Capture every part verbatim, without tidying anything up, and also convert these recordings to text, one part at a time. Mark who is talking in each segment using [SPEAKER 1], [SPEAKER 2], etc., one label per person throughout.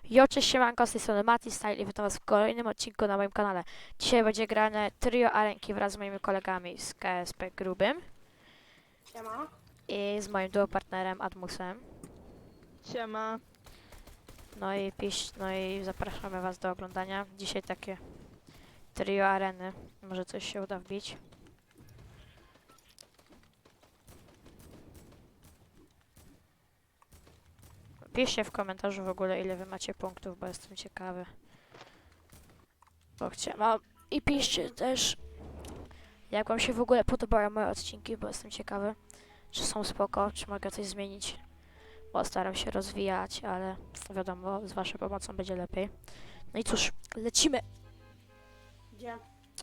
[SPEAKER 1] Jo, cześć, siemanko, z tej strony Mati Style i witam was w kolejnym odcinku na moim kanale. Dzisiaj będzie grane trio arenki wraz z moimi kolegami z K S P Grubym
[SPEAKER 2] Siema.
[SPEAKER 1] i z moim duopartnerem Admusem.
[SPEAKER 3] Siema.
[SPEAKER 1] No i piś, no i zapraszamy was do oglądania. Dzisiaj takie trio areny. Może coś się uda wbić. Piszcie w komentarzu w ogóle, ile wy macie punktów, bo jestem ciekawy. Bo chciałam. I piszcie też, jak wam się w ogóle podobają moje odcinki, bo jestem ciekawy, czy są spoko, czy mogę coś zmienić. Bo staram się rozwijać, ale wiadomo, z waszą pomocą będzie lepiej. No i cóż, lecimy!
[SPEAKER 2] Gdzie?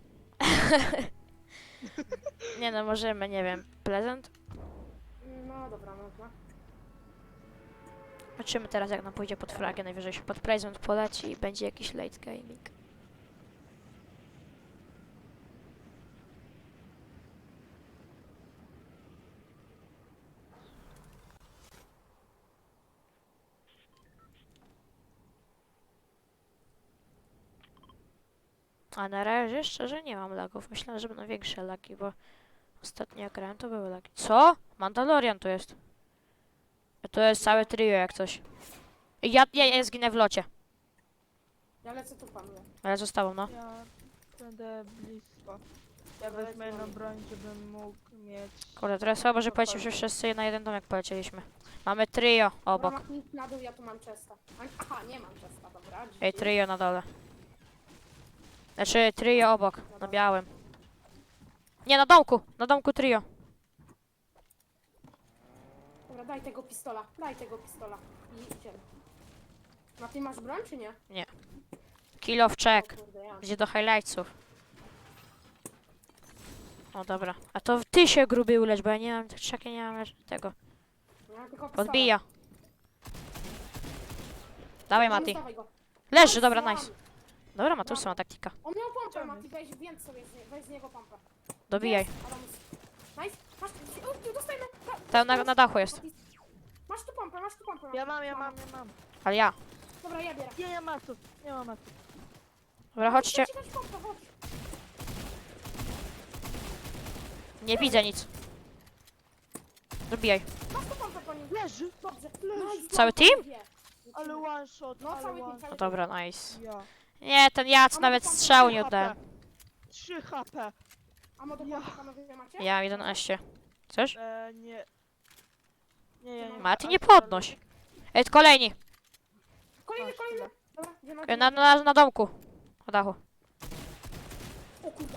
[SPEAKER 1] Nie no, możemy, nie wiem, prezent?
[SPEAKER 2] No dobra, można.
[SPEAKER 1] Zobaczymy teraz, jak nam pójdzie pod flagę, najwyżej się pod prezent poleci i będzie jakiś late gaming. A na razie szczerze nie mam lagów. Myślałem, że będą większe lagi, bo ostatnio jak grałem, to były lagi. Co? Mandalorian tu jest. To jest całe trio jak coś. Ja, ja, ja zginę w locie.
[SPEAKER 2] Ja lecę tu panuję.
[SPEAKER 1] Ale zostało, no.
[SPEAKER 3] Ja będę blisko. Ja wezmę jedną broń, żebym mógł mieć...
[SPEAKER 1] Kurde, teraz słabo, że polecimy, że wszyscy na jeden domek polecieliśmy. Mamy trio obok.
[SPEAKER 2] Dobra, ma- na dół, ja tu mam chesta. A- Aha, nie mam chesta, dobra.
[SPEAKER 1] Ej,
[SPEAKER 2] G G.
[SPEAKER 1] trio na dole. Znaczy, trio obok, na białym. Nie, na domku, na domku trio.
[SPEAKER 2] Dobra, daj tego pistola, daj tego pistola. I idziemy. Na ty masz broń, czy nie?
[SPEAKER 1] Kill of check.
[SPEAKER 2] O kurde, ja.
[SPEAKER 1] Gdzie do highlightsów. O, dobra. A to ty się gruby ulecz, bo ja nie mam, tak nie mam tego.
[SPEAKER 2] Ja mam tylko pistola.
[SPEAKER 1] Podbija. Dawaj,
[SPEAKER 2] Tam
[SPEAKER 1] Mati.
[SPEAKER 2] ustawaj go.
[SPEAKER 1] Leży, dobra,
[SPEAKER 2] Mam.
[SPEAKER 1] nice. Dobra, Matusa ma taktika.
[SPEAKER 2] On miał pompę, Mati, weź, więc sobie, z nie, weź z niego pompę.
[SPEAKER 1] Dobijaj.
[SPEAKER 2] Jest, Adamus. Nice, masz, o, tu dostajemy. Da-
[SPEAKER 1] Tam na, na dachu jest.
[SPEAKER 2] Mati. Masz tu pompę, masz tu pompę.
[SPEAKER 3] Ja mam, ja mam, ja mam.
[SPEAKER 1] Ale ja.
[SPEAKER 2] Dobra, ja bierę.
[SPEAKER 3] Nie, nie ma tu, nie ma tu.
[SPEAKER 1] Dobra, chodźcie.
[SPEAKER 2] Chcę ci dać pompę, chodź.
[SPEAKER 1] Nie widzę nic. Dobijaj.
[SPEAKER 2] Masz tu pompę po nim.
[SPEAKER 3] Leży!
[SPEAKER 2] Dobrze.
[SPEAKER 3] Leży.
[SPEAKER 2] Nice,
[SPEAKER 1] Cały
[SPEAKER 2] pompę,
[SPEAKER 1] team?
[SPEAKER 2] dwie.
[SPEAKER 3] Ale one shot,
[SPEAKER 2] No,
[SPEAKER 3] ale
[SPEAKER 2] cały team,
[SPEAKER 3] one
[SPEAKER 2] cały
[SPEAKER 1] No
[SPEAKER 2] team.
[SPEAKER 1] dobra, nice.
[SPEAKER 3] Ja.
[SPEAKER 1] Nie, ten Jac
[SPEAKER 2] A
[SPEAKER 1] nawet
[SPEAKER 2] może pan
[SPEAKER 1] strzału
[SPEAKER 2] trzy
[SPEAKER 1] nie oddałem.
[SPEAKER 3] trzy H P.
[SPEAKER 2] A mo do
[SPEAKER 3] Ja.
[SPEAKER 2] pompy panowie macie?
[SPEAKER 1] Ja mam jedenaście. Chcesz?
[SPEAKER 3] E, nie. Nie, ja nie mam.
[SPEAKER 1] Mati, nie
[SPEAKER 3] ale-
[SPEAKER 1] podnoś. Ej, kolejni.
[SPEAKER 2] Kolejny,
[SPEAKER 3] Masz
[SPEAKER 2] kolejny.
[SPEAKER 3] tyle.
[SPEAKER 2] Dobra, gdzie na
[SPEAKER 1] Ej, Na, na, na domku. Na dachu.
[SPEAKER 2] O kurwa.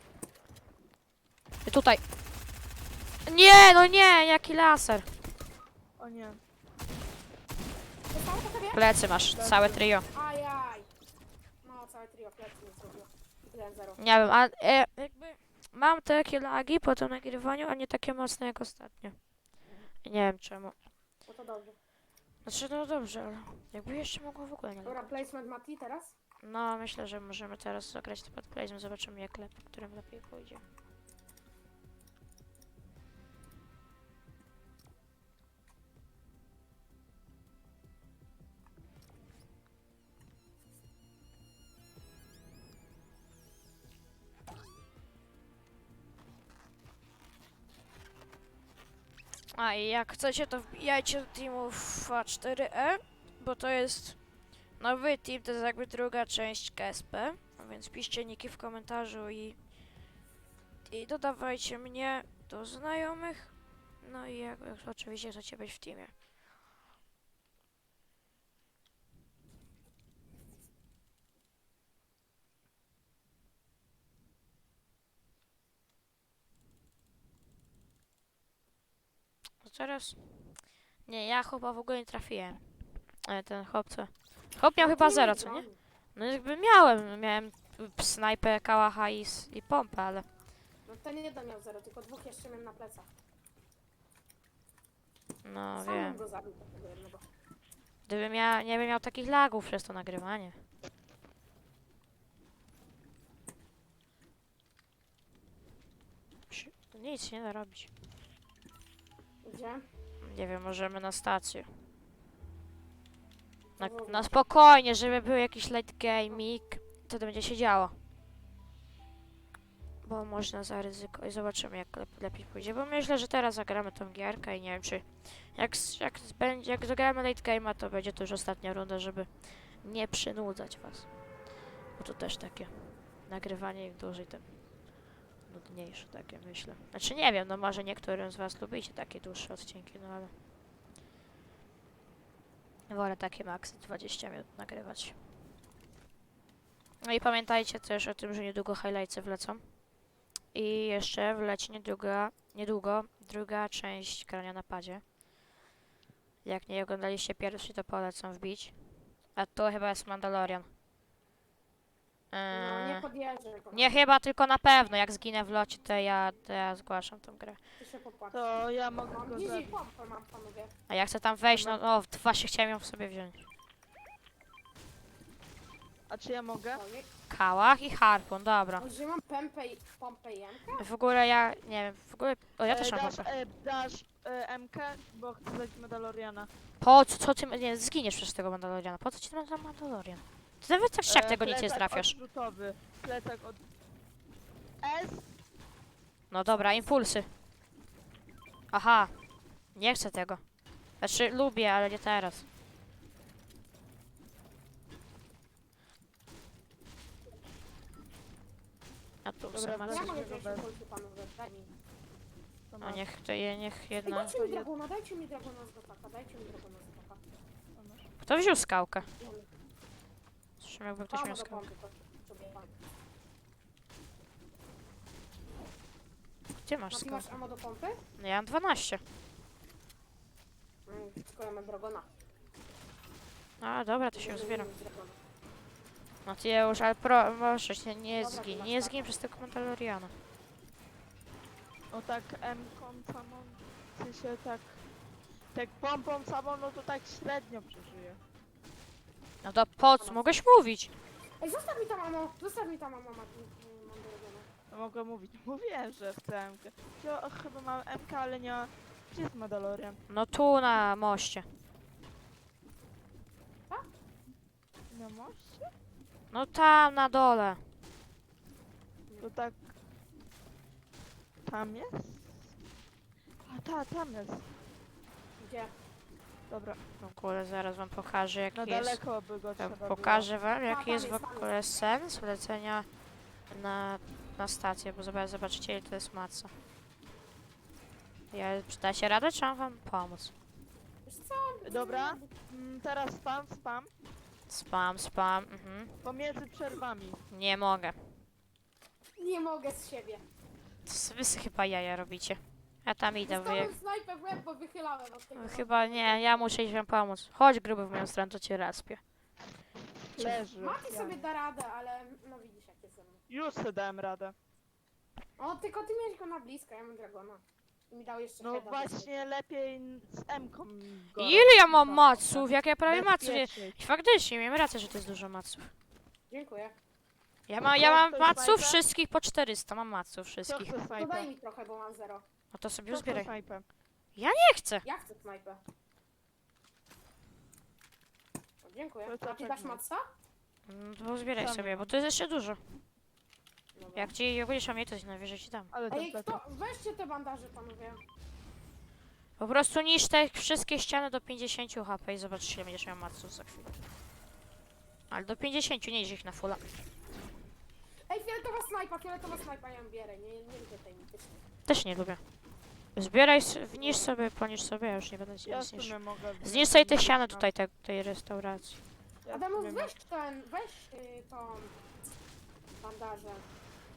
[SPEAKER 1] I tutaj. Nie, no nie, jaki laser.
[SPEAKER 3] O nie.
[SPEAKER 2] Zostało po tobie?
[SPEAKER 1] Plecy masz, całe trio.
[SPEAKER 2] Ajaj. No, całe trio plecy nie zrobiło. jeden zero.
[SPEAKER 1] Nie wiem, a e, jakby mam takie lagi po tym nagrywaniu, a nie takie mocne jak ostatnio. Nie wiem czemu.
[SPEAKER 2] No to dobrze.
[SPEAKER 1] Znaczy, no dobrze, ale jakby jeszcze mogło w ogóle nie
[SPEAKER 2] Dobra,
[SPEAKER 1] lagać.
[SPEAKER 2] placement Mati teraz?
[SPEAKER 1] No, myślę, że możemy teraz zagrać to pod placement, zobaczymy jak lepiej, którym lepiej pójdzie. A i jak chcecie, to wbijajcie do teamów A cztery E, bo to jest nowy team, to jest jakby druga część K S P, a więc piszcie niki w komentarzu i, i dodawajcie mnie do znajomych, no i jak, jak oczywiście chcecie być w teamie. A teraz? Nie, ja chyba w ogóle nie trafiłem. Ale ten chłop co? Chłop miał chyba zero, co nie? No jakby miałem, miałem p- snajpę, kałacha i, s- i pompę, ale...
[SPEAKER 2] No ten jeden miał zero, tylko dwóch jeszcze miałem na plecach.
[SPEAKER 1] No
[SPEAKER 2] Sam
[SPEAKER 1] wiem.
[SPEAKER 2] go zabił tego jednego.
[SPEAKER 1] Gdybym ja nie bym miał takich lagów przez to nagrywanie. Psi- to Nic nie da robić.
[SPEAKER 2] Gdzie?
[SPEAKER 1] Nie wiem, możemy na stację. Na,
[SPEAKER 2] w ogóle.
[SPEAKER 1] na spokojnie, żeby był jakiś late gaming, wtedy będzie się działo. Bo można zaryzykować. Zobaczymy, jak lep lepiej pójdzie. Bo myślę, że teraz zagramy tą gierkę i nie wiem, czy jak, s- jak, s- będzie, jak zagramy late game'a, to będzie to już ostatnia runda, żeby nie przynudzać was. Bo to też takie nagrywanie im dłużej, tym nudniejsze takie, myślę. Znaczy nie wiem, no może niektórym z was lubicie takie dłuższe odcinki, no ale wolę takie maksy dwadzieścia minut nagrywać. No i pamiętajcie też o tym, że niedługo highlightsy wlecą. I jeszcze wleci niedługo, niedługo druga część grania na padzie. Jak nie oglądaliście pierwszy, to polecam wbić. A to chyba jest Mandalorian.
[SPEAKER 2] No, nie
[SPEAKER 1] Eee,
[SPEAKER 2] podjeżdżaj go.
[SPEAKER 1] nie chyba, tylko na pewno. Jak zginę w locie, to ja, to ja zgłaszam tą grę.
[SPEAKER 2] Ty się popłacz.
[SPEAKER 3] To ja mogę
[SPEAKER 2] Mam
[SPEAKER 3] go
[SPEAKER 2] easy
[SPEAKER 3] zabić.
[SPEAKER 2] pompę mam, panowie.
[SPEAKER 1] A ja chcę tam wejść, no, no właśnie chciałem ją w sobie wziąć.
[SPEAKER 3] A czy ja mogę?
[SPEAKER 2] Ojej.
[SPEAKER 1] Kałach i harpun, dobra.
[SPEAKER 2] O, że mam pompę i pompę i jemkę?
[SPEAKER 1] W ogóle ja, nie wiem, w ogóle... O, ja też
[SPEAKER 3] e,
[SPEAKER 1] mam
[SPEAKER 3] dasz,
[SPEAKER 1] pompę.
[SPEAKER 3] e, dasz e, M K, bo chcę dać Mandaloriana.
[SPEAKER 1] Po co, co ty, nie, zginiesz przez tego Mandaloriana. Po co ci ten Mandalorian? Ty nawet tak jak
[SPEAKER 3] E,
[SPEAKER 1] tego nic nie
[SPEAKER 3] plecak
[SPEAKER 1] trafiasz.
[SPEAKER 3] odrzutowy. Plecak od... S.
[SPEAKER 1] No dobra, impulsy. Aha. Nie chcę tego. Znaczy, lubię, ale nie teraz. A tu
[SPEAKER 3] Dobra,
[SPEAKER 1] są
[SPEAKER 3] wracam.
[SPEAKER 2] Ja
[SPEAKER 1] masy.
[SPEAKER 2] mogę
[SPEAKER 3] Dobra.
[SPEAKER 2] wziąć impulsy, panowie. Daj mi.
[SPEAKER 3] To
[SPEAKER 1] No
[SPEAKER 3] masz,
[SPEAKER 1] niech to je, niech
[SPEAKER 2] Ej,
[SPEAKER 1] jedna...
[SPEAKER 2] dajcie mi dragona, dajcie mi dragona z gotaka, dajcie mi dragona z gotaka.
[SPEAKER 3] to masz.
[SPEAKER 1] Kto wziął skałkę? Zresztą jakby ktoś
[SPEAKER 2] Mam
[SPEAKER 1] miał
[SPEAKER 2] do
[SPEAKER 1] skałkę.
[SPEAKER 2] pompy, to sobie pan.
[SPEAKER 1] Gdzie masz
[SPEAKER 2] A ty masz
[SPEAKER 1] skałkę?
[SPEAKER 2] ammo do pompy?
[SPEAKER 1] No ja mam dwanaście.
[SPEAKER 2] Mm, tylko ja mam dragona.
[SPEAKER 1] A dobra, to się
[SPEAKER 2] Nie
[SPEAKER 1] uzbieram.
[SPEAKER 2] umiem z dragona.
[SPEAKER 1] No ty ja już, ale pro, proszę cię, nie
[SPEAKER 2] Dobra,
[SPEAKER 1] zgin,
[SPEAKER 2] ty masz
[SPEAKER 1] nie
[SPEAKER 2] taką.
[SPEAKER 1] zgin przez tego Mandaloriana.
[SPEAKER 3] No tak M-ką samą, w sensie tak... Tak pompą samą, no to tak średnio przeżyję.
[SPEAKER 1] No to po co? Mogłeś mówić.
[SPEAKER 2] Ej, zostaw mi tam ammo, zostaw mi tam ammo, Mati. Mm, Mam dragona.
[SPEAKER 3] No mogę mówić. Mówiłem, że chcę M K. Ja chyba mam M K, ale nie ma... Gdzie jest Mandalorian?
[SPEAKER 1] No tu na moście.
[SPEAKER 3] Na moście?
[SPEAKER 1] No tam na dole.
[SPEAKER 3] To tak... Tam jest? A ta, tam jest.
[SPEAKER 2] Gdzie?
[SPEAKER 3] Dobra,
[SPEAKER 1] W ogóle zaraz wam pokażę jaki
[SPEAKER 3] na
[SPEAKER 1] jest.
[SPEAKER 3] daleko by go
[SPEAKER 1] Ja
[SPEAKER 3] trzeba było.
[SPEAKER 1] pokażę wam
[SPEAKER 2] A,
[SPEAKER 1] jaki
[SPEAKER 2] tam
[SPEAKER 1] jest w
[SPEAKER 2] jest, tam
[SPEAKER 1] ogóle sens lecenia na, na stację, bo zobacz, zobaczycie ile to jest maca. Ja, dacie radę, czy mam wam pomóc?
[SPEAKER 2] Wiesz co?
[SPEAKER 3] Dobra. Mm, teraz spam, spam.
[SPEAKER 1] Spam, spam, mhm.
[SPEAKER 3] Pomiędzy przerwami.
[SPEAKER 1] Nie mogę.
[SPEAKER 2] Nie mogę z siebie.
[SPEAKER 1] To s- wy sobie chyba jaja robicie. Ja tam idę, wy...
[SPEAKER 2] Dostałem snajpę w łeb, bo wychylałem od tego.
[SPEAKER 1] Chyba nie, ja muszę iść wam pomóc. Chodź gruby w moją stronę, to cię raspię.
[SPEAKER 3] Leży.
[SPEAKER 2] Mati
[SPEAKER 3] Ja
[SPEAKER 2] sobie
[SPEAKER 3] nie.
[SPEAKER 2] da radę, ale no widzisz jak jest ze mną.
[SPEAKER 3] Już sobie dałem radę.
[SPEAKER 2] O, tylko ty miałeś go na blisko, ja mam dragona. I mi dał jeszcze
[SPEAKER 3] No
[SPEAKER 2] heada
[SPEAKER 3] właśnie lepiej n- z M-ką go
[SPEAKER 1] Ile ja
[SPEAKER 3] robić,
[SPEAKER 1] mam
[SPEAKER 3] tak,
[SPEAKER 1] maców?
[SPEAKER 3] tak.
[SPEAKER 1] Jak ja prawie maców nie...
[SPEAKER 3] Bezpieczniej.
[SPEAKER 1] Faktycznie, miałem rację, że to jest dużo maców.
[SPEAKER 2] Dziękuję.
[SPEAKER 1] Ja, ma, ja mam
[SPEAKER 3] Ktoś
[SPEAKER 1] maców
[SPEAKER 3] snajpę?
[SPEAKER 1] wszystkich po czterysta, mam maców
[SPEAKER 3] Kto
[SPEAKER 1] wszystkich.
[SPEAKER 3] chce
[SPEAKER 2] To
[SPEAKER 3] snajpę?
[SPEAKER 2] daj mi trochę, bo mam zero.
[SPEAKER 1] No to sobie
[SPEAKER 3] Kto chce
[SPEAKER 1] uzbieraj.
[SPEAKER 3] snajpę?
[SPEAKER 1] Nie chcę.
[SPEAKER 2] Ja chcę snajpę. O, dziękuję.
[SPEAKER 3] To co
[SPEAKER 2] A ty dasz
[SPEAKER 3] czekamy?
[SPEAKER 2] matca?
[SPEAKER 1] No to uzbieraj
[SPEAKER 3] Sam
[SPEAKER 1] sobie,
[SPEAKER 3] mam.
[SPEAKER 1] bo to jest jeszcze dużo.
[SPEAKER 2] Dobra.
[SPEAKER 1] Jak ci jak będziesz miał mniej, to ci najwyżej ci dam.
[SPEAKER 3] Ale ten
[SPEAKER 2] Ej,
[SPEAKER 3] plecak.
[SPEAKER 2] kto? Weźcie te bandaże, panowie.
[SPEAKER 1] Po prostu niszcz te wszystkie ściany do pięćdziesiąt H P i zobaczysz ile będziesz miał maców za chwilę. Ale do pięćdziesiąt, nie idź ich na fulla.
[SPEAKER 2] Ej, fioletowa snajpa, fioletowa snajpa, ja ją bierę. Nie, nie lubię tej mitycznej.
[SPEAKER 1] Też nie lubię. Zbieraj, s- wniszcz sobie, poniszcz sobie, ja już nie będę ci
[SPEAKER 3] Ja
[SPEAKER 1] nic
[SPEAKER 3] w
[SPEAKER 1] niszczył.
[SPEAKER 3] sumie mogę...
[SPEAKER 1] Zniszcz sobie te
[SPEAKER 3] wziąć
[SPEAKER 1] ściany
[SPEAKER 3] na-
[SPEAKER 1] tutaj te, tej restauracji.
[SPEAKER 3] ja w
[SPEAKER 2] Adamus,
[SPEAKER 3] sumie
[SPEAKER 2] weź ten, weź y, tą bandażę.
[SPEAKER 3] mo-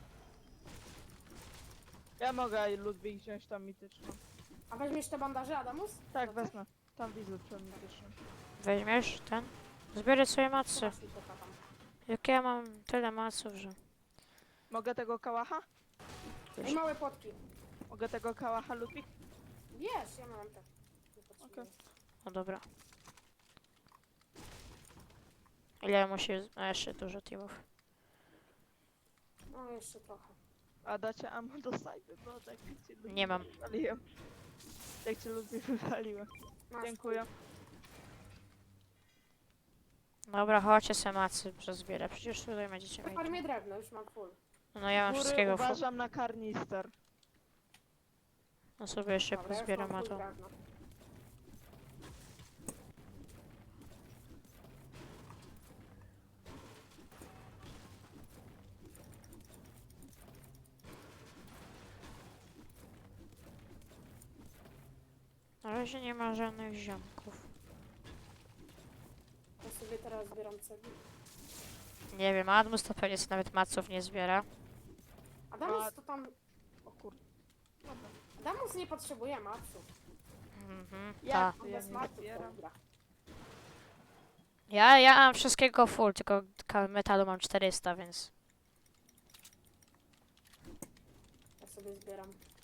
[SPEAKER 3] Ja mogę Ludwik wziąć tam mityczną.
[SPEAKER 2] A weźmiesz te bandaże, Adamus?
[SPEAKER 3] Tak,
[SPEAKER 2] Dobrze?
[SPEAKER 3] wezmę. Tam widzę tą mityczną.
[SPEAKER 1] Weźmiesz ten? Zbieraj sobie
[SPEAKER 2] To
[SPEAKER 1] macy.
[SPEAKER 2] masz mi to tam.
[SPEAKER 1] Jak ja mam tyle maców, że...
[SPEAKER 3] Mogę tego kałacha?
[SPEAKER 2] Ej, małe potki.
[SPEAKER 3] Mogę tego kałacha Ludwik?
[SPEAKER 2] Wiesz, ja mam tak. Nie potrzebuję.
[SPEAKER 3] Okej.
[SPEAKER 1] No dobra. Ile musi... A jeszcze dużo teamów.
[SPEAKER 2] No, jeszcze trochę.
[SPEAKER 3] A dacie ammo do snajpy, bo tak cię Ludwik
[SPEAKER 1] Nie mam.
[SPEAKER 3] wywaliłem. Tak cię Ludwik wywaliłem.
[SPEAKER 2] Masz
[SPEAKER 3] Dziękuję.
[SPEAKER 1] Dobra, chodźcie se macy przezbierę. Przecież tutaj będziecie mieć.
[SPEAKER 2] Farmię drewno, już mam full.
[SPEAKER 1] No ja mam
[SPEAKER 3] Góry
[SPEAKER 1] wszystkiego. fu-
[SPEAKER 3] uważam na karnister.
[SPEAKER 1] No sobie jeszcze
[SPEAKER 2] Dobra, już
[SPEAKER 1] pozbieram,
[SPEAKER 2] mam
[SPEAKER 1] a
[SPEAKER 2] full
[SPEAKER 1] to.
[SPEAKER 2] drewno.
[SPEAKER 1] Na razie nie ma żadnych ziomków.
[SPEAKER 2] Ja sobie teraz zbieram cegły.
[SPEAKER 1] Nie wiem, Admus to pewnie sobie nawet maców nie zbiera.
[SPEAKER 2] Adamus to tam...
[SPEAKER 3] O kurde. Dobra.
[SPEAKER 2] Adamus nie potrzebuje maców.
[SPEAKER 1] Mhm,
[SPEAKER 3] Ja-
[SPEAKER 1] ta.
[SPEAKER 2] On
[SPEAKER 3] Ja
[SPEAKER 2] bez
[SPEAKER 3] nie
[SPEAKER 2] maców
[SPEAKER 3] zbieram.
[SPEAKER 2] to gra.
[SPEAKER 1] Ja, ja mam wszystkiego full, tylko ka- metalu mam czterysta, więc...
[SPEAKER 2] Ja sobie zbieram.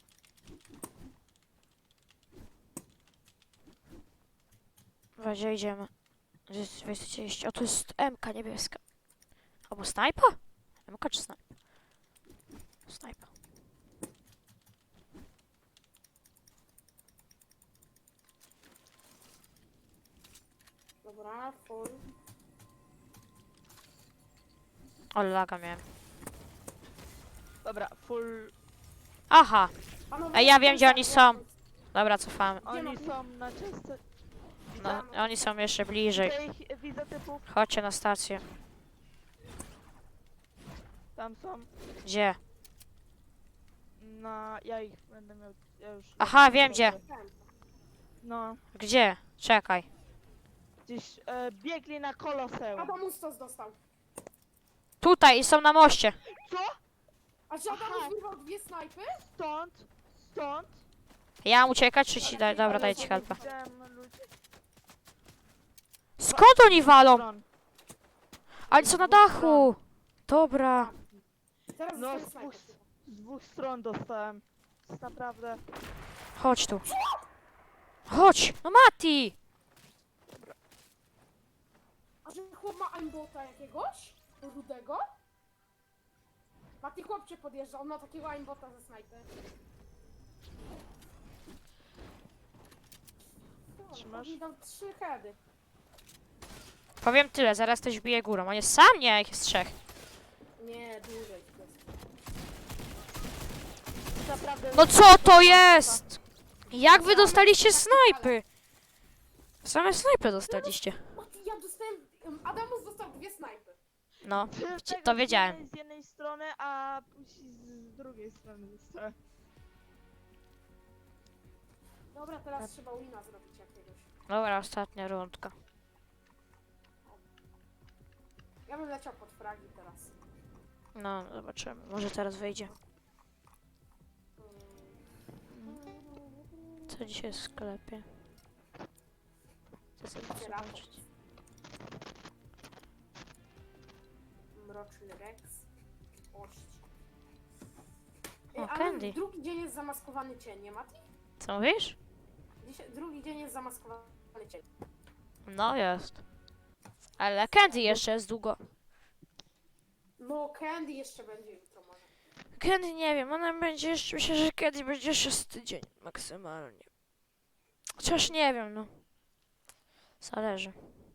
[SPEAKER 1] Właśnie idziemy. Gdzie jest dwieście trzydzieści? O, tu jest M K niebieska. Albo snajpa? M K czy snajpa? Snajpa.
[SPEAKER 2] Dobra, full.
[SPEAKER 1] O, laga miałem.
[SPEAKER 3] Dobra, full.
[SPEAKER 1] Aha!
[SPEAKER 2] Panowie,
[SPEAKER 1] Ej, ja wiem, gdzie oni
[SPEAKER 2] ja-
[SPEAKER 1] są. Dobra, cofamy.
[SPEAKER 2] Gdzie
[SPEAKER 3] Oni
[SPEAKER 2] mam-
[SPEAKER 3] są na czyste.
[SPEAKER 1] No, oni są jeszcze bliżej.
[SPEAKER 3] Widzę ich, widzę typów.
[SPEAKER 1] Chodźcie na stację.
[SPEAKER 3] Tam są.
[SPEAKER 1] Gdzie?
[SPEAKER 3] Na. Ja ich będę miał. Ja już.
[SPEAKER 1] Aha, wiem gdzie.
[SPEAKER 3] No.
[SPEAKER 1] Gdzie? Czekaj.
[SPEAKER 3] Gdzieś e, biegli na koloseum.
[SPEAKER 2] Adamus to dostał.
[SPEAKER 1] Tutaj i są na moście.
[SPEAKER 3] Co?
[SPEAKER 2] A czy Adamus
[SPEAKER 3] Aha.
[SPEAKER 2] wyrwał dwie snajpy?
[SPEAKER 3] Stąd. Stąd.
[SPEAKER 1] Ja mam uciekać, czy ci dać? Dobra,
[SPEAKER 3] Ale
[SPEAKER 1] daję ci
[SPEAKER 3] sobie
[SPEAKER 1] helpa.
[SPEAKER 3] widziałem ludzi
[SPEAKER 1] Skąd oni
[SPEAKER 3] z
[SPEAKER 1] walą?
[SPEAKER 3] stron.
[SPEAKER 1] Ale co na dachu? Dobra.
[SPEAKER 2] Teraz
[SPEAKER 3] No,
[SPEAKER 2] dostaję
[SPEAKER 3] z dwóch,
[SPEAKER 2] snajpę.
[SPEAKER 3] z dwóch stron dostałem. To jest naprawdę.
[SPEAKER 1] Chodź tu. Chodź! No Mati!
[SPEAKER 2] A że chłop ma aimbota jakiegoś? Rudego? Mati chłopcie podjeżdża, on ma takiego aimbota ze snajpy.
[SPEAKER 3] Trzymasz?
[SPEAKER 2] Mi dał trzy heady.
[SPEAKER 1] Powiem tyle, zaraz ktoś bije górą. On jest sam? Nie, ich jest trzech.
[SPEAKER 2] Nie, dłużej.
[SPEAKER 3] jest naprawdę.
[SPEAKER 1] No co to jest? Jak wy dostaliście snajpy? Same snajpy dostaliście.
[SPEAKER 2] Mati, ja dostałem... em, Adamus dostał dwie snajpy.
[SPEAKER 1] No,
[SPEAKER 3] Ty
[SPEAKER 1] wci-
[SPEAKER 3] tego
[SPEAKER 1] to
[SPEAKER 3] z
[SPEAKER 1] wiedziałem.
[SPEAKER 3] jednej- Z jednej strony, a później z drugiej strony dostałem.
[SPEAKER 2] Dobra, teraz trzeba wina zrobić jakiegoś.
[SPEAKER 1] Dobra, ostatnia rundka.
[SPEAKER 2] Ja bym leciał pod fragi teraz.
[SPEAKER 1] No, zobaczymy. Może teraz wyjdzie. Co dzisiaj jest w sklepie? Co sobie
[SPEAKER 2] Otwieram.
[SPEAKER 1] zobaczyć?
[SPEAKER 2] Mroczny Rex. Ość.
[SPEAKER 1] O,
[SPEAKER 2] Ej, ale
[SPEAKER 1] Candy.
[SPEAKER 2] drugi dzień jest zamaskowany cień, nie Mati?
[SPEAKER 1] Co mówisz?
[SPEAKER 2] Dzisiaj, drugi dzień jest zamaskowany cień.
[SPEAKER 1] No jest. Ale Candy jeszcze jest długo.
[SPEAKER 2] No, Candy jeszcze będzie jutro może.
[SPEAKER 1] Candy nie wiem, ona będzie jeszcze, myślę, że Candy będzie jeszcze z tydzień maksymalnie. Chociaż nie wiem, no. Zależy.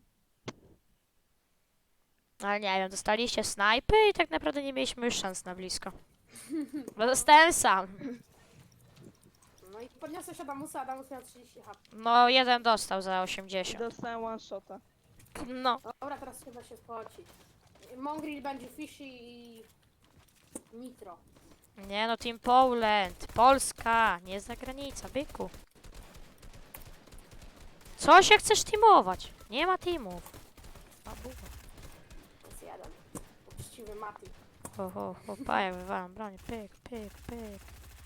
[SPEAKER 1] Ale nie wiem, dostaliście snajpy i tak naprawdę nie mieliśmy już szans na blisko. Bo zostałem sam.
[SPEAKER 2] No i podniosę się Adamusa, Adamus miał trzydzieści H P.
[SPEAKER 1] No, jeden dostał za
[SPEAKER 3] I
[SPEAKER 1] osiemdziesiąt.
[SPEAKER 3] dostałem one shota.
[SPEAKER 1] No.
[SPEAKER 2] Dobra, teraz trzeba się spocić. Mongrel będzie Fishy i... Nitro.
[SPEAKER 1] Nie no, Team Poland. Polska, nie zagranica, byku. Co się chcesz teamować? Nie ma teamów. Babuła.
[SPEAKER 2] To jest jeden. Uczciwy Mati.
[SPEAKER 1] Ho, ho, ho, paja, wywalam bronię. Pyk, pyk, pyk.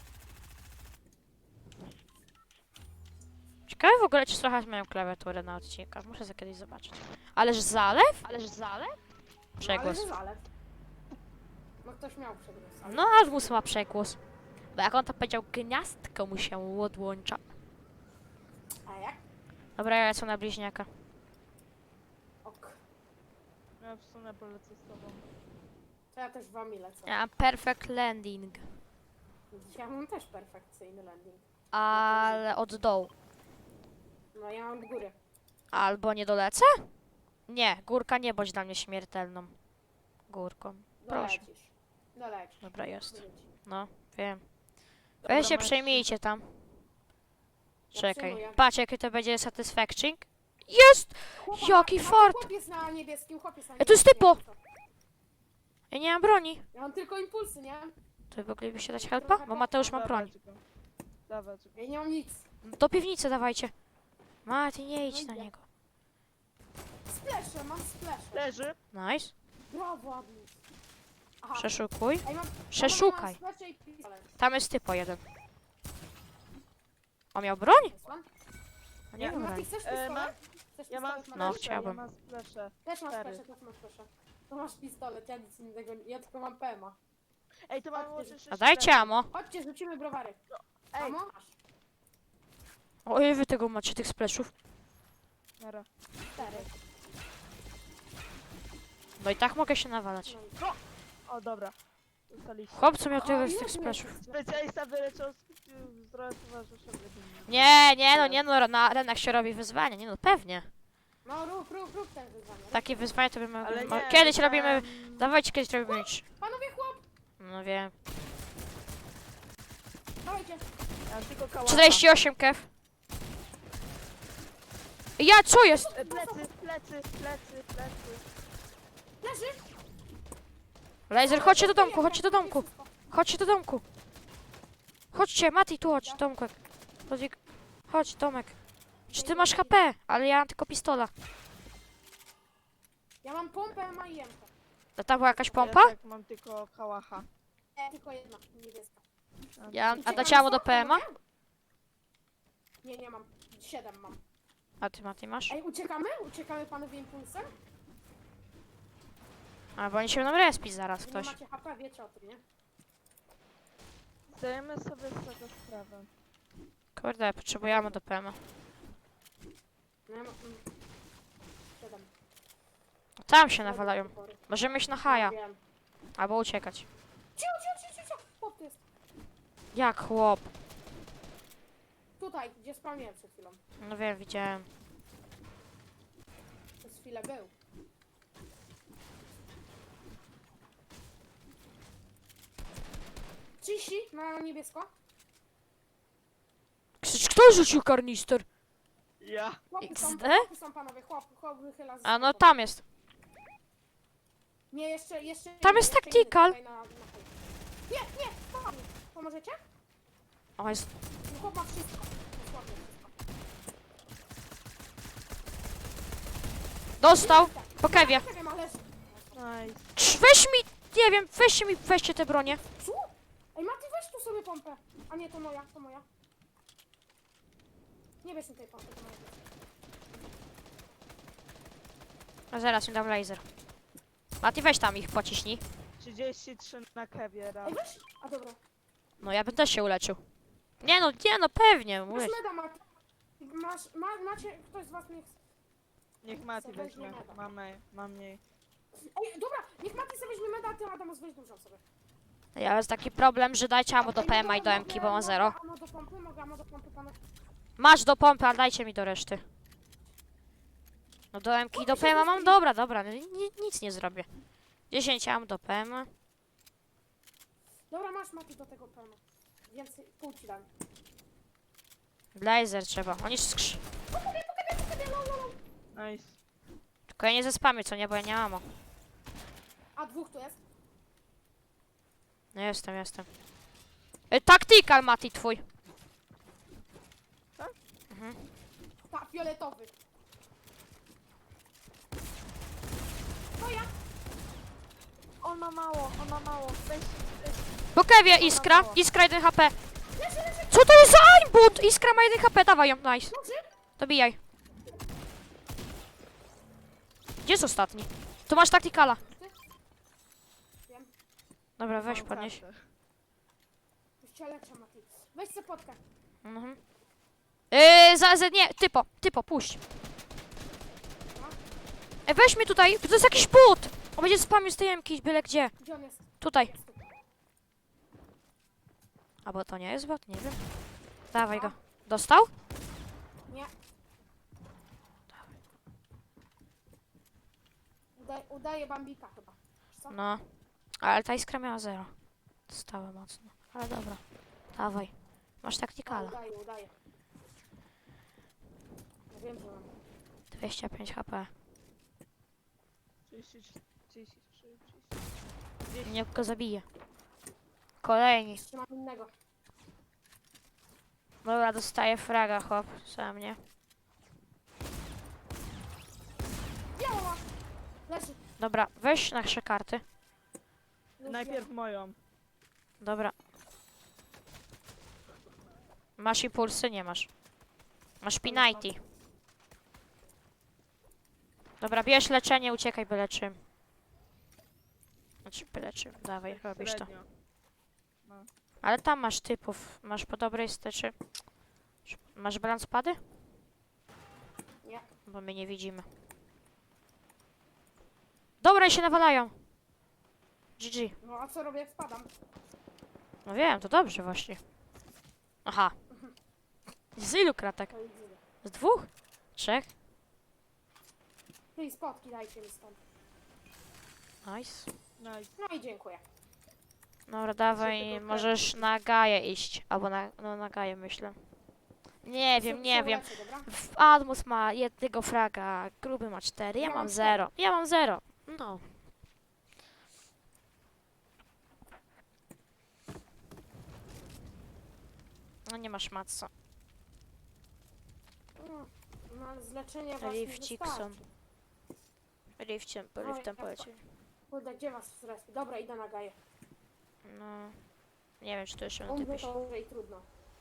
[SPEAKER 1] Ciekawe w ogóle, czy słychać moją klawiaturę na odcinkach. Muszę za kiedyś zobaczyć. Ależ zalew? Ależ zalew? Przegłos.
[SPEAKER 2] No, ale że zalew. No ktoś miał przegłos. ale-
[SPEAKER 1] No, Admus ma przegłos. Bo jak on to powiedział, gniazdko mu się odłącza.
[SPEAKER 2] A jak?
[SPEAKER 1] Dobra, ja lecę na bliźniaka.
[SPEAKER 2] Ok.
[SPEAKER 3] Ja w sumie polecę z tobą.
[SPEAKER 2] To ja też wami lecę.
[SPEAKER 1] Ja mam perfect landing.
[SPEAKER 2] Ja mam też perfekcyjny landing.
[SPEAKER 1] Ale od dołu.
[SPEAKER 2] No ja mam od góry.
[SPEAKER 1] Albo nie dolecę? Nie, górka nie bądź dla mnie śmiertelną. Górką. Proszę.
[SPEAKER 2] Dolecisz. Dolecisz.
[SPEAKER 1] Dobra, jest.
[SPEAKER 2] Wróć.
[SPEAKER 1] No, wiem.
[SPEAKER 3] Dobra,
[SPEAKER 1] Weź się
[SPEAKER 3] masz-
[SPEAKER 1] przejmijcie tam.
[SPEAKER 2] Ja
[SPEAKER 1] Czekaj.
[SPEAKER 2] przyjmuję.
[SPEAKER 1] Patrz, jakie to będzie satisfacting. Jest!
[SPEAKER 2] Chłopak,
[SPEAKER 1] Jaki
[SPEAKER 2] Maciek,
[SPEAKER 1] fart!
[SPEAKER 2] Chłop jest na niebieskim, chłop jest na
[SPEAKER 1] E, to jest
[SPEAKER 2] niebieskim.
[SPEAKER 1] typo! Ja nie mam broni.
[SPEAKER 2] Ja mam tylko impulsy, nie?
[SPEAKER 1] To moglibyście dać helpa? Bo Mateusz ma broń.
[SPEAKER 3] Dawać go. Dawać go.
[SPEAKER 2] Ja nie mam nic.
[SPEAKER 1] Do piwnicy dawajcie. Mati, nie idź
[SPEAKER 2] No
[SPEAKER 1] na
[SPEAKER 2] idę.
[SPEAKER 1] niego.
[SPEAKER 2] Spleszę, mam spleszę.
[SPEAKER 3] Leży.
[SPEAKER 1] Nice.
[SPEAKER 2] Brawo, Admis. Aha.
[SPEAKER 1] Przeszukuj.
[SPEAKER 2] Ej, mam,
[SPEAKER 1] Przeszukaj.
[SPEAKER 2] Mam spleszę i pistolet.
[SPEAKER 1] Tam jest typo jeden. On miał broń?
[SPEAKER 2] Jest pan?
[SPEAKER 1] A nie
[SPEAKER 3] Nie.
[SPEAKER 1] miał
[SPEAKER 2] Mati,
[SPEAKER 1] broni.
[SPEAKER 2] chcesz
[SPEAKER 3] E,
[SPEAKER 2] pistolet?
[SPEAKER 3] mam-
[SPEAKER 2] Chcesz
[SPEAKER 3] Ja mam
[SPEAKER 2] pistolet,
[SPEAKER 1] No,
[SPEAKER 2] Mati?
[SPEAKER 3] spleszę,
[SPEAKER 1] chciałbym.
[SPEAKER 3] ja mam spleszę.
[SPEAKER 2] Też masz
[SPEAKER 3] cztery.
[SPEAKER 2] spleszę, też masz spleszę. To masz pistolet, ja nic innego, nie- ja tylko mam P M A.
[SPEAKER 3] Ej, to mam
[SPEAKER 2] Chodź,
[SPEAKER 3] łącznie sześć
[SPEAKER 1] A dajcie
[SPEAKER 3] spleszy.
[SPEAKER 1] amo.
[SPEAKER 2] Chodźcie, rzucimy browary.
[SPEAKER 3] Ej,
[SPEAKER 2] Amo? Masz.
[SPEAKER 1] Oj, wy tego macie, tych spleszów.
[SPEAKER 3] nara.
[SPEAKER 2] Cztery.
[SPEAKER 1] No i tak mogę się nawalać.
[SPEAKER 2] No i-
[SPEAKER 3] O, dobra. Dostaliście.
[SPEAKER 1] Chłop, co miał
[SPEAKER 2] O,
[SPEAKER 1] tyle z
[SPEAKER 2] ile
[SPEAKER 1] tych
[SPEAKER 2] tu
[SPEAKER 1] spleszów.
[SPEAKER 2] jest?
[SPEAKER 3] Specjalista wyleczał zdrowie towarzysza.
[SPEAKER 1] Nie, nie no, nie no, na arenach się robi wyzwania, nie no, pewnie.
[SPEAKER 2] No rób, rób, rób ten wyzwanie. rób.
[SPEAKER 1] Takie wyzwania to bym...
[SPEAKER 3] Ale
[SPEAKER 1] mo-
[SPEAKER 3] nie,
[SPEAKER 1] Kiedyś
[SPEAKER 3] widziałem-
[SPEAKER 1] robimy... Dawajcie, kiedyś robimy... trz-
[SPEAKER 2] Panowie chłop!
[SPEAKER 1] No wiem.
[SPEAKER 2] Dawajcie.
[SPEAKER 3] Ja mam tylko kałacha.
[SPEAKER 1] czterdzieści osiem kew. Ja, co jest?
[SPEAKER 3] E, Plecy, plecy, plecy, plecy.
[SPEAKER 2] Leży!
[SPEAKER 1] Laser, chodźcie do domku, chodźcie do domku. Chodźcie do domku. Chodźcie, Mati, tu chodź, Tomku. Chodź, chodź, Tomek. Czy ty masz H P? Ale ja mam tylko pistola.
[SPEAKER 2] Ja mam pompę, M A i M K.
[SPEAKER 1] To tam była jakaś
[SPEAKER 3] Ja
[SPEAKER 1] pompa?
[SPEAKER 3] tak mam tylko kałacha.
[SPEAKER 2] Nie, tylko jedna, niebieska.
[SPEAKER 1] Ja, a
[SPEAKER 2] Uciekam
[SPEAKER 1] dacie mu do
[SPEAKER 2] stąd,
[SPEAKER 1] P M A?
[SPEAKER 2] panowie? Nie, nie mam. Siedem mam.
[SPEAKER 1] A ty, Mati, masz?
[SPEAKER 2] Ej, uciekamy? Uciekamy panowie impulsem?
[SPEAKER 1] A, bo oni się będą respić zaraz,
[SPEAKER 2] Wy nie
[SPEAKER 1] ktoś.
[SPEAKER 2] macie H P, wiecie o tym, nie?
[SPEAKER 3] Zdajemy sobie z tego sprawę.
[SPEAKER 1] Kurde, potrzebujemy do P M A.
[SPEAKER 2] No ja mam... mm, Siedem.
[SPEAKER 1] Tam się nawalają. Możemy iść na haja,
[SPEAKER 2] Wiem.
[SPEAKER 1] albo uciekać.
[SPEAKER 2] Cicho, cicho, cicho, cicho! Chłop tu jest.
[SPEAKER 1] Jak chłop?
[SPEAKER 2] Tutaj, gdzie spamiłem przed chwilą.
[SPEAKER 1] No wiem, widziałem.
[SPEAKER 2] Przez chwilę był. trzydzieści na niebiesko.
[SPEAKER 1] Krzycz, kto rzucił karnister?
[SPEAKER 3] Ja.
[SPEAKER 2] Chłopy są,
[SPEAKER 1] X D?
[SPEAKER 2] chłopy są panowie, chłop, chłop wychyla z
[SPEAKER 1] A no
[SPEAKER 2] sklepu.
[SPEAKER 1] tam jest.
[SPEAKER 2] Nie, jeszcze, jeszcze...
[SPEAKER 1] Tam
[SPEAKER 2] inny,
[SPEAKER 1] jest
[SPEAKER 2] jeszcze
[SPEAKER 1] tactical.
[SPEAKER 2] inny tutaj na- na hej. Nie, nie, pomogę. Pomożecie?
[SPEAKER 1] O, jest...
[SPEAKER 2] No chłop ma wszystko. Dosłownie wszystko.
[SPEAKER 1] Dostał!
[SPEAKER 2] Tak.
[SPEAKER 1] Po kewie.
[SPEAKER 2] Nie wiem, ale...
[SPEAKER 3] Nice.
[SPEAKER 1] Krz, weź mi... Nie wiem, weźcie mi, weźcie te bronie.
[SPEAKER 2] Co? Ej, Mati, weź tu sobie pompę. A nie, to moja, to moja. Nie bierz mi tej pompy, to moja.
[SPEAKER 1] A zaraz mi dam laser. Mati, weź tam ich, pociśnij.
[SPEAKER 3] trzydzieści trzy na kewie raz.
[SPEAKER 2] Ej, weź! A dobra.
[SPEAKER 1] No ja bym też się uleczył. Nie no, nie no, pewnie,
[SPEAKER 2] Masz
[SPEAKER 1] mówię.
[SPEAKER 2] meda, Mati. Masz, ma, macie, ktoś z was niech...
[SPEAKER 3] Niech Mati
[SPEAKER 2] Weźmie
[SPEAKER 3] weźmie.
[SPEAKER 2] meda.
[SPEAKER 3] Mamy, mam mniej.
[SPEAKER 2] Ej, dobra, niech Mati sobie weźmie meda, a ty Adamus weź dużą sobie.
[SPEAKER 1] Ja mam taki problem, że dajcie mu do
[SPEAKER 2] Ej,
[SPEAKER 1] P M A i
[SPEAKER 2] mogę-
[SPEAKER 1] do M K, bo mam
[SPEAKER 2] mogę-
[SPEAKER 1] zero.
[SPEAKER 2] mogę ammo do pompy, mogę ammo do pompy, panu.
[SPEAKER 1] Masz do pompy, ale dajcie mi do reszty. No do M K i do P M A mam, dobra, dobra, no, ni- nic nie zrobię. dziesięć mam do P M A.
[SPEAKER 2] Dobra, masz Mati do tego pełno. Więcej, pół ci dam.
[SPEAKER 1] Laser trzeba, oni skrz...
[SPEAKER 3] Nice.
[SPEAKER 1] Tylko ja nie zespamię, co nie, bo ja nie mam.
[SPEAKER 2] A dwóch tu jest?
[SPEAKER 1] No jestem, jestem. E, tactical, Mati, twój.
[SPEAKER 3] Tak?
[SPEAKER 1] Mhm.
[SPEAKER 2] Tak, fioletowy. To ja.
[SPEAKER 3] On ma mało, on ma mało. Weź, weź.
[SPEAKER 1] Po kewie iskra, iskra jeden H P. Co to jest za aimbot? Iskra ma jeden H P, dawaj ją, nice.
[SPEAKER 2] Dobrze?
[SPEAKER 1] Dobijaj. Gdzie jest ostatni? Tu masz tacticala.
[SPEAKER 2] Wiem.
[SPEAKER 1] Dobra, weź
[SPEAKER 3] Mam
[SPEAKER 1] podnieś.
[SPEAKER 3] kasę.
[SPEAKER 2] Już cię leczę, Mati. Weź sobie potkę.
[SPEAKER 1] Mhm. Yy, za, za, nie, typo, typo, puść. E, weź mnie tutaj, to jest jakiś but. On będzie spamił z tej jemki, byle gdzie.
[SPEAKER 2] Gdzie on jest?
[SPEAKER 1] Tutaj.
[SPEAKER 2] Jest tu.
[SPEAKER 1] Albo to nie jest bot, nie wiem. Dawaj go. Dostał?
[SPEAKER 2] Nie. Udaje, udaje Bambika chyba. Wiesz co?
[SPEAKER 1] No. Ale ta iskra miała zero. Dostała mocno. Ale dobra. Dawaj. Masz
[SPEAKER 2] A,
[SPEAKER 1] taktikala.
[SPEAKER 2] udaje, udaje. Ja wiem, że mam.
[SPEAKER 1] dwieście pięć H P.
[SPEAKER 3] trzydzieści trzy, trzydzieści trzy, trzydzieści.
[SPEAKER 1] Nie go zabije. Kolejni.
[SPEAKER 2] Jeszcze mam innego.
[SPEAKER 1] Dobra, dostaję fraga, hop. Sam nie.
[SPEAKER 2] Biało ma! Leży.
[SPEAKER 1] Dobra, weź nasze karty.
[SPEAKER 2] Już
[SPEAKER 3] Najpierw moją.
[SPEAKER 1] Dobra. Masz impulsy? Nie masz. Masz P90. Dobra, bierz leczenie, uciekaj byle czym. Znaczy byle czym, dawaj,
[SPEAKER 3] Tak
[SPEAKER 1] robisz to.
[SPEAKER 3] średnio. No.
[SPEAKER 1] Ale tam masz typów. Masz po dobrej steczy. Masz balans pady?
[SPEAKER 2] Nie.
[SPEAKER 1] Bo my nie widzimy. Dobra, i się nawalają. G G.
[SPEAKER 2] No a co robię jak spadam?
[SPEAKER 1] No wiem, to dobrze właśnie. Aha. Z ilu kratek?
[SPEAKER 2] To idzie.
[SPEAKER 1] Z dwóch? Trzech?
[SPEAKER 2] No i spotki dajcie mi stąd.
[SPEAKER 1] Nice.
[SPEAKER 3] Nice.
[SPEAKER 2] No i dziękuję.
[SPEAKER 1] Dobra, dawaj,
[SPEAKER 3] tylko
[SPEAKER 1] możesz na Gaję iść. Albo na, no na Gaję myślę. Nie wiem,
[SPEAKER 2] Się-
[SPEAKER 1] nie
[SPEAKER 2] się
[SPEAKER 1] wiem.
[SPEAKER 2] uleczę, dobra?
[SPEAKER 1] W- Admus ma jednego fraga, gruby ma cztery, ja
[SPEAKER 2] Ja
[SPEAKER 1] mam
[SPEAKER 2] mam
[SPEAKER 1] zero. Ja mam zero. No. No nie masz matca.
[SPEAKER 2] No, no ale z leczenia was nie
[SPEAKER 1] Rifcik są.
[SPEAKER 2] wystarczy.
[SPEAKER 1] Rifciem,
[SPEAKER 2] No,
[SPEAKER 1] riftem
[SPEAKER 2] ja-
[SPEAKER 1] polecieli.
[SPEAKER 2] Kurde, gdzie was w respi? Dobra, idę na gaję.
[SPEAKER 1] No. Nie wiem, czy to jeszcze na
[SPEAKER 2] Umrę
[SPEAKER 1] typie się...
[SPEAKER 2] to umrę i trudno.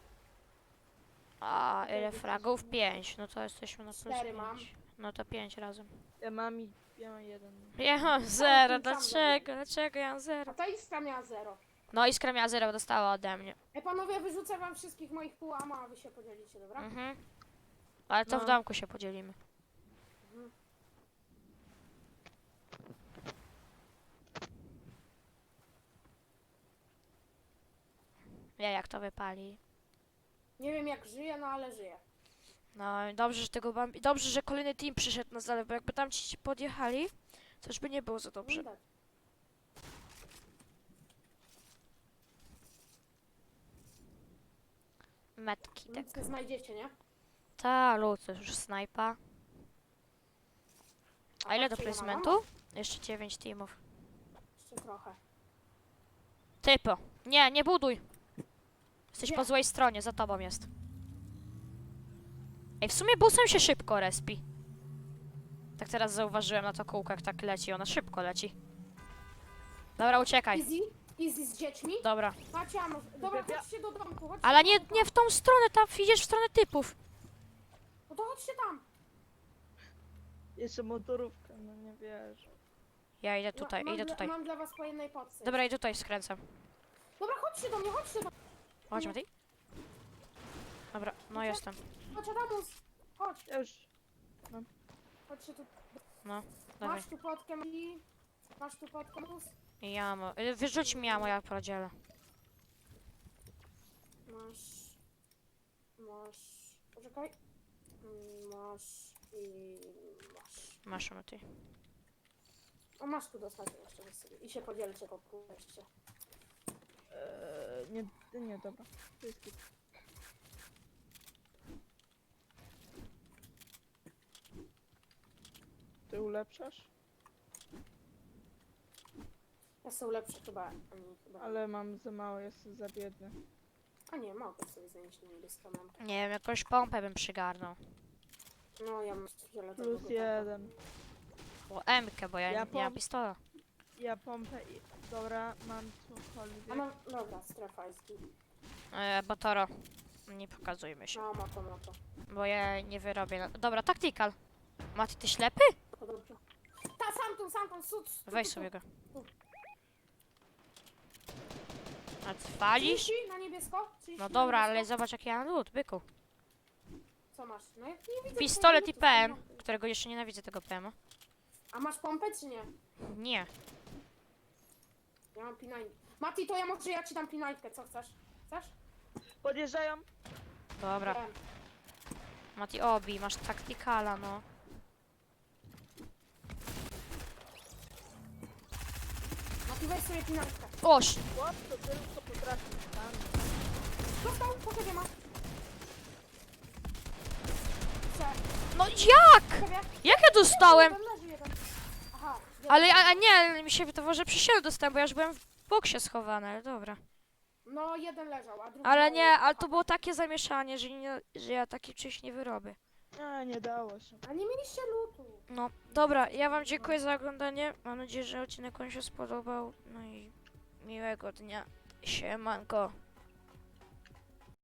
[SPEAKER 1] A, ile fragów? Pięć. No to jesteśmy na plus
[SPEAKER 2] Cztery mam.
[SPEAKER 1] pięć. No to pięć razem.
[SPEAKER 3] Ja mam i ja mam jeden.
[SPEAKER 1] Ja mam zero,
[SPEAKER 2] tym sam
[SPEAKER 1] dlaczego? Dlaczego ja mam
[SPEAKER 2] A
[SPEAKER 1] zero?
[SPEAKER 2] ta iskra miała zero.
[SPEAKER 1] No iskra miała zero, dostała ode mnie.
[SPEAKER 2] Ej panowie, wyrzucę wam wszystkich moich pół ama, a wy się podzielicie, dobra?
[SPEAKER 1] Mhm. Ale to w
[SPEAKER 3] No.
[SPEAKER 1] domku się podzielimy.
[SPEAKER 2] Mhm.
[SPEAKER 1] Ja jak to wypali.
[SPEAKER 2] Nie wiem jak żyję, no ale żyję.
[SPEAKER 1] No i dobrze, że tego bambi... Dobrze, że kolejny team przyszedł na zalew, bo jakby tam ci podjechali, to już by nie było za dobrze.
[SPEAKER 2] Widać.
[SPEAKER 1] Metki, tak.
[SPEAKER 2] Nic nie znajdziecie, nie?
[SPEAKER 1] Ta, lud, to już snajpa. A ile do
[SPEAKER 2] patrzcie, ja mam
[SPEAKER 1] placementu? Jeszcze dziewięć teamów.
[SPEAKER 2] Jeszcze trochę.
[SPEAKER 1] Typo. Nie, nie buduj. Jesteś
[SPEAKER 2] Nie.
[SPEAKER 1] po złej stronie, za tobą jest. Ej, w sumie busem się szybko respi. Tak teraz zauważyłem na to kółko, jak tak leci. Ona szybko leci. Dobra, uciekaj.
[SPEAKER 2] Easy? Easy z dziećmi?
[SPEAKER 1] Dobra.
[SPEAKER 2] Macie amo. Dobra,
[SPEAKER 3] Ja-
[SPEAKER 2] chodźcie do domku, chodźcie
[SPEAKER 1] Ale
[SPEAKER 2] do
[SPEAKER 1] nie,
[SPEAKER 2] domku.
[SPEAKER 1] nie w tą stronę, tam idziesz w stronę typów.
[SPEAKER 2] No to chodźcie tam.
[SPEAKER 3] Jeszcze motorówka, no nie wiesz.
[SPEAKER 1] Ja idę
[SPEAKER 2] No,
[SPEAKER 1] tutaj,
[SPEAKER 2] mam
[SPEAKER 1] idę
[SPEAKER 2] dla,
[SPEAKER 1] tutaj.
[SPEAKER 2] Mam dla was po jednej podce.
[SPEAKER 1] Dobra, idę tutaj, skręcam.
[SPEAKER 2] Dobra, chodźcie do mnie, chodźcie do mnie.
[SPEAKER 1] Chodź, Matej. Dobra, no jestem.
[SPEAKER 2] Chodź, Adamus. Chodź,
[SPEAKER 3] Ja już.
[SPEAKER 2] chodźcie tu.
[SPEAKER 1] No, dawaj.
[SPEAKER 2] Masz tu podkę i... Masz tu podkę, Adamus?
[SPEAKER 1] I jamo. Y, Wyrzuć mi jamo, ja podzielę.
[SPEAKER 2] Masz... Masz... Poczekaj. Mm, Masz i... Masz.
[SPEAKER 1] Masz, Matej.
[SPEAKER 2] O, masz tu dostać jeszcze wy sobie. I się podzielcie po pół jeszcze.
[SPEAKER 3] Eee, nie, nie, dobra. To jest git. Ty ulepszasz?
[SPEAKER 2] Ja są lepsze chyba. Ani, chyba.
[SPEAKER 3] Ale mam za mało, jestem za biedny.
[SPEAKER 2] A nie, mogę sobie zająć na niebieską lampę.
[SPEAKER 1] Nie wiem, jakąś pompę bym przygarnął.
[SPEAKER 2] No, ja mam fioletowego.
[SPEAKER 3] Plus jeden.
[SPEAKER 1] O, M-kę, bo ja,
[SPEAKER 3] Ja
[SPEAKER 1] nie mam
[SPEAKER 3] pom-
[SPEAKER 1] pistola.
[SPEAKER 3] Ja pompę i... Dobra, mam cokolwiek.
[SPEAKER 2] A no, dobra, strefa jest git.
[SPEAKER 1] E, Batoro. Nie pokazujmy się,
[SPEAKER 2] No, ma to, ma to.
[SPEAKER 1] bo ja nie wyrobię. Na... Dobra, tactical. Mati, ty ślepy?
[SPEAKER 2] To dobrze. Ta, sam tu, sam tu, sud.
[SPEAKER 1] Weź sobie go. A ty walisz?
[SPEAKER 2] trzydzieści na niebiesko? trzydzieści
[SPEAKER 1] No
[SPEAKER 2] na
[SPEAKER 1] dobra, ale
[SPEAKER 2] niebiesko?
[SPEAKER 1] zobacz jaki ja mam lód, byku.
[SPEAKER 2] Co masz? No ja nie widzę.
[SPEAKER 1] Pistolet i
[SPEAKER 2] twojego
[SPEAKER 1] P M,
[SPEAKER 2] lutu.
[SPEAKER 1] którego jeszcze nienawidzę tego P M.
[SPEAKER 2] A masz pompę czy nie?
[SPEAKER 1] Nie.
[SPEAKER 2] Ja mam pinajkę. Mati, to ja może ja ci dam pinajkę, co chcesz? Chcesz?
[SPEAKER 3] Podjeżdżają.
[SPEAKER 1] Dobra.
[SPEAKER 2] Wiem.
[SPEAKER 1] Mati, obi, masz tacticala, no.
[SPEAKER 2] i weź sobie pinarkę.
[SPEAKER 1] Oż!
[SPEAKER 3] Chłop to tylko potrafi tam.
[SPEAKER 2] Dostał, po sobie ma. Chcę.
[SPEAKER 1] No jak?
[SPEAKER 2] Sobie.
[SPEAKER 1] Jak ja dostałem?
[SPEAKER 2] Jeden leży, jeden. Aha. jeden.
[SPEAKER 1] Ale a, a nie, mi się wydawało, że przy siebie dostałem, bo ja już byłem w boksie schowany, ale dobra.
[SPEAKER 2] No, jeden leżał, a drugi...
[SPEAKER 1] Ale
[SPEAKER 2] mały.
[SPEAKER 1] nie, ale to było takie zamieszanie, że, nie, że ja taki czymś nie wyrobię.
[SPEAKER 3] A, nie dało się.
[SPEAKER 2] A nie mieliście lutu.
[SPEAKER 1] No, dobra, ja wam dziękuję za oglądanie. Mam nadzieję, że odcinek wam się spodobał. No i miłego dnia. Siemanko.